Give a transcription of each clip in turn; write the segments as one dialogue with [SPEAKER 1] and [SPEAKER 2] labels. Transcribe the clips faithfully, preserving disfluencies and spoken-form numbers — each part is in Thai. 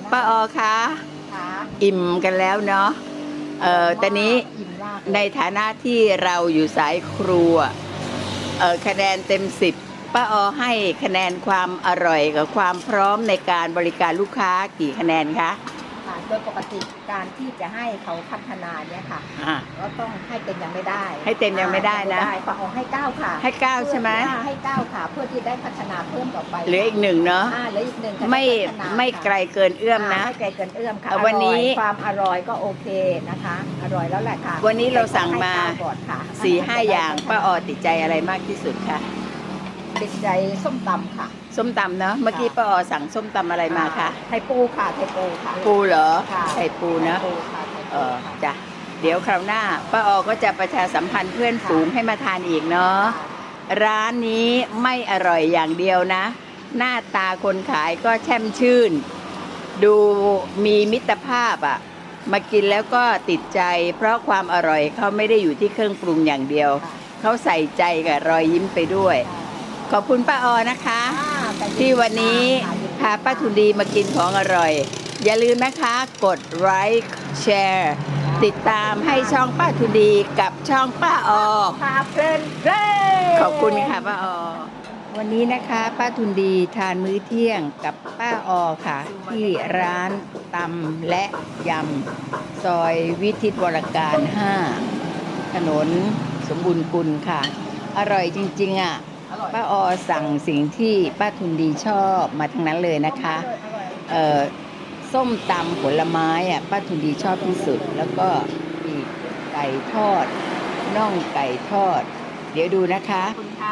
[SPEAKER 1] ป้าออคะอิ่มกันแล้วเนาะเอ่อตอนนี้ในฐานะที่เราอยู่สายครัวเอ่อคะแนนเต็มสิบป้าออให้คะแนนความอร่อยกับความพร้อมในการบริการลูกค้ากี่คะแนนคะ
[SPEAKER 2] ค่ะโดยปกติการที่จะให้เขาพัฒนาเนี่ยค่ะก็ต้องให้เต็มยังไม่ได้
[SPEAKER 1] ให้เต็มยังไม่ได้นะ
[SPEAKER 2] ป้าออให้เก้าค่ะ
[SPEAKER 1] ให้เก้าใช่ไหม
[SPEAKER 2] ให้เก้าค่ะเพื่อที่ได้พัฒนาเพิ่มต่อไป
[SPEAKER 1] เหลืออีกหนึ่งเนาะ
[SPEAKER 2] เหลืออีกหนึ่ง
[SPEAKER 1] ไม่ไม่ไกลเกินเอื้อมนะ
[SPEAKER 2] ไม่ไกลเกินเอื้อมค่ะ
[SPEAKER 1] วันนี้
[SPEAKER 2] ความอร่อยก็โอเคนะคะอร่อยแล้วแหละค่ะ
[SPEAKER 1] วันนี้เราสั่งมาสี่ห้าอย่างป้าออติดใจอะไรมากที่สุดคะ
[SPEAKER 2] ติดใจส้มตำค่ะ
[SPEAKER 1] ส้มตำเนาะเมื่อกี้ป้าออสั่งส้มตำอะไรมาคะ
[SPEAKER 2] ไทยปูค่ะไทยปูค่ะ
[SPEAKER 1] ปูเหรอไทยปูนะเออจ้ะเดี๋ยวคราวหน้าป้าออก็จะประชาสัมพันธ์เพื่อนฝูงให้มาทานอีกเนาะร้านนี้ไม่อร่อยอย่างเดียวนะหน้าตาคนขายก็แช่มชื่นดูมีมิตรภาพอ่ะมากินแล้วก็ติดใจเพราะความอร่อยเขาไม่ได้อยู่ที่เครื่องปรุงอย่างเดียวเขาใส่ใจกับรอยยิ้มไปด้วยขอบคุณป้าออนะคะที่วันนี้พาป้าทุนดีมากินของอร่อยอย่าลืมนะคะกดไลค์แชร์ติดตามให้ช่องป้าทุนดีกับช่องป้าออ
[SPEAKER 2] พาเพลินเพลิ
[SPEAKER 1] นขอบคุณค่ะป้าออวันนี้นะคะป้าทุนดีทานมื้อเที่ยงกับป้าออค่ะที่ร้านตำและยำซอยวิทิตวรการห้าถนนสมบูรณ์กุลค่ะอร่อยจริงๆอ่ะป้าออสั่งสิ่งที่ป้าทุนดีชอบมาทั้งนั้นเลยนะคะเอ่อส้มตำผลไม้อ่ะป้าทุนดีชอบที่สุดแล้วก็ปีกไก่ทอดน่องไก่ทอดเดี๋ยวดูนะคะ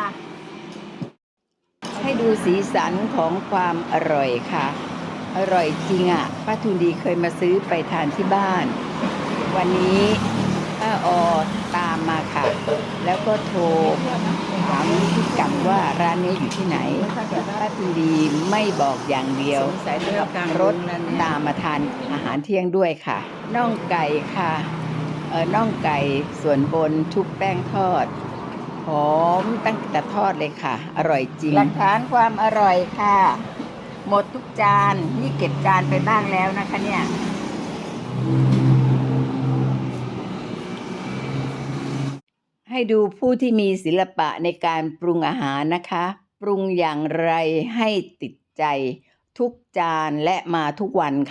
[SPEAKER 1] ให้ดูสีสันของความอร่อยค่ะอร่อยจริงอ่ะป้าทุนดีเคยมาซื้อไปทานที่บ้านวันนี้ป้าออตามมาค่ะแล้วก็โทรถามพิกัดว่าร้านนี้อยู่ที่ไหนป้าทุนดีไม่บอกอย่างเดียวรถตามมาทานอาหารเที่ยงด้วยค่ะน่องไก่ค่ะเออน่องไก่ส่วนบนชุบแป้งทอดหอมตั้งแต่ทอดเลยค่ะอร่อยจริงหลักฐานความอร่อยค่ะหมดทุกจานนี่เก็บจานไปบ้างแล้วนะคะเนี่ยให้ดูผู้ที่มีศิลปะในการปรุงอาหารนะคะปรุงอย่างไรให้ติดใจทุกจานและมาทุกวัน